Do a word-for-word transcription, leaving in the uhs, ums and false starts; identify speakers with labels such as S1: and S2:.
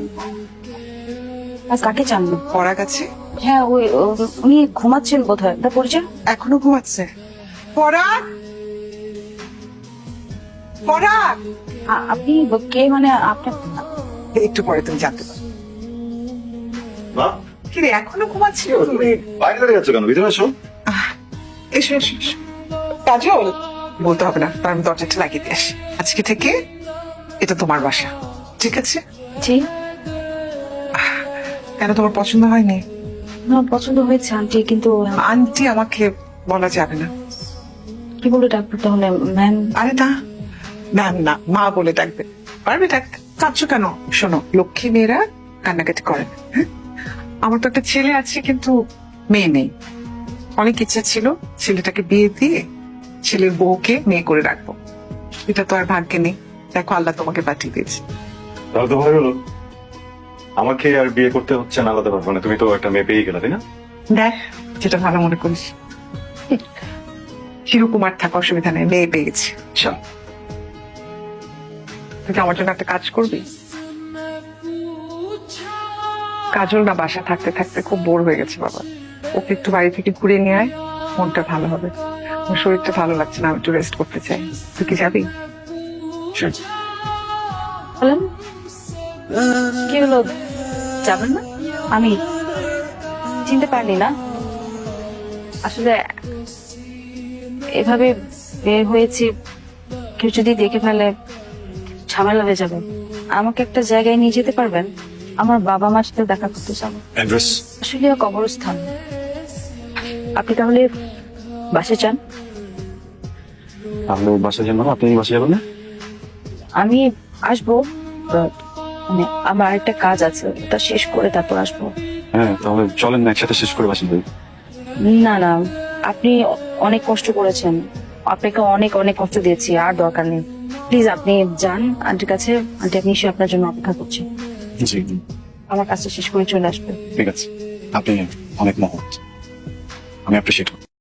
S1: আজ কাকে চান?
S2: পড়া গেছে,
S1: হ্যাঁ ওই ও- উনি ঘুমাচ্ছেন বোধ হয়, তা পরিচয়।
S2: এখনো ঘুমাচ্ছে। পড়া পড়া
S1: আ- আপনি কে? মানে আপনার
S2: একটু পরে তুমি জানতে পারো।
S3: মা,
S2: কি রে, এখনো ঘুমাচ্ছিল তুমি?
S3: বাইরে দাঁড়িয়ে আছো কেন? ভিতরে আসো।
S2: আহ, এসো এসো এসো। কাজল, বলতে হবে না, তার আমি দরজাটা লাগিয়ে দিয়ে আসি। আজকে থেকে এটা তোমার বাসা, ঠিক আছে?
S1: জি
S2: কেন, তোমার পছন্দ হয়নি?
S1: না, পছন্দ হয়েছে আন্টি, কিন্তু
S2: আন্টি আমাকে বলা যাবে না।
S1: কি বলে ডাক্তার তাহলে? ম্যাম।
S2: আরে না, ম্যাম না, মা বলে ডাকবে। পারবে ডাকতে? কাঁদছো কেন? শোনো, লক্ষ্মী মেয়েরা কান্নাকাটি করে না, হ্যাঁ? আমার তো একটা ছেলে আছে, কিন্তু মেয়ে নেই। অনেক ইচ্ছা ছিল ছেলেটাকে বিয়ে দিয়ে ছেলের বউকে মেয়ে করে রাখবো, এটা তো আর ভাগ্যে নেই। দেখো, আল্লাহ তোমাকে পাঠিয়ে দিয়েছে।
S3: তাহলে তো ভালো হলো। আমাকে আর বিয়ে করতে হচ্ছে না আলাদা ভাবে, মানে তুমি তো একটা মেয়ে পেয়ে গেলে, তাই না?
S2: দেখ, যেটা ভালো মনে করিস। চিরকুমার থাকা অসুবিধা নেই, মেয়ে পেয়ে গেছি। চল, তুই কি আমার জন্য একটা কাজ করবি? কাজল না বাসা থাকতে থাকতে খুব বোর হয়ে গেছে বাবা, ওকে একটু বাড়ি থেকে ঘুরে নিয়ে আয়, মনটা ভালো হবে। ওর শরীরটা ভালো লাগছে না, আমি একটু রেস্ট করতে চাই। তুই কি যাবি?
S1: বলেন কি হলো, যাবেন না? আমি চিনতে পারিনি না, আসলে এভাবে বের হয়েছি, কেউ যদি দেখে ফেলে ঝামেলা হয়ে যাবে। আমাকে একটা জায়গায় নিয়ে যেতে পারবেন? আমার বাবা মার সাথে দেখা করতে চান।
S3: অ্যাড্রেস?
S1: আসলে কবরস্থান। আপনি তাহলে বাসে চান?
S3: তাহলে বাসায় যান, আপনি বাসায় যাবেন না?
S1: আমি আসবো, but মানে আমার আরেকটা কাজ আছে, ওটা শেষ করে তারপর আসবো।
S3: হ্যাঁ, তাহলে চলেন না একসাথে শেষ করে বাসায় যাই।
S1: না না, আপনি অনেক কষ্ট করেছেন, আপনাকে অনেক অনেক কষ্ট দিয়েছি, আর দরকার নেই। প্লিজ আপনি যান আন্টির কাছে, আন্টি আপনি এসে আপনার জন্য অপেক্ষা করছি।
S3: জি,
S1: আমার কাজটা শেষ করে চলে আসবে।
S3: ঠিক আছে। আপনি অনেক মহৎ, আমি অ্যাপ্রিসিয়েট করি।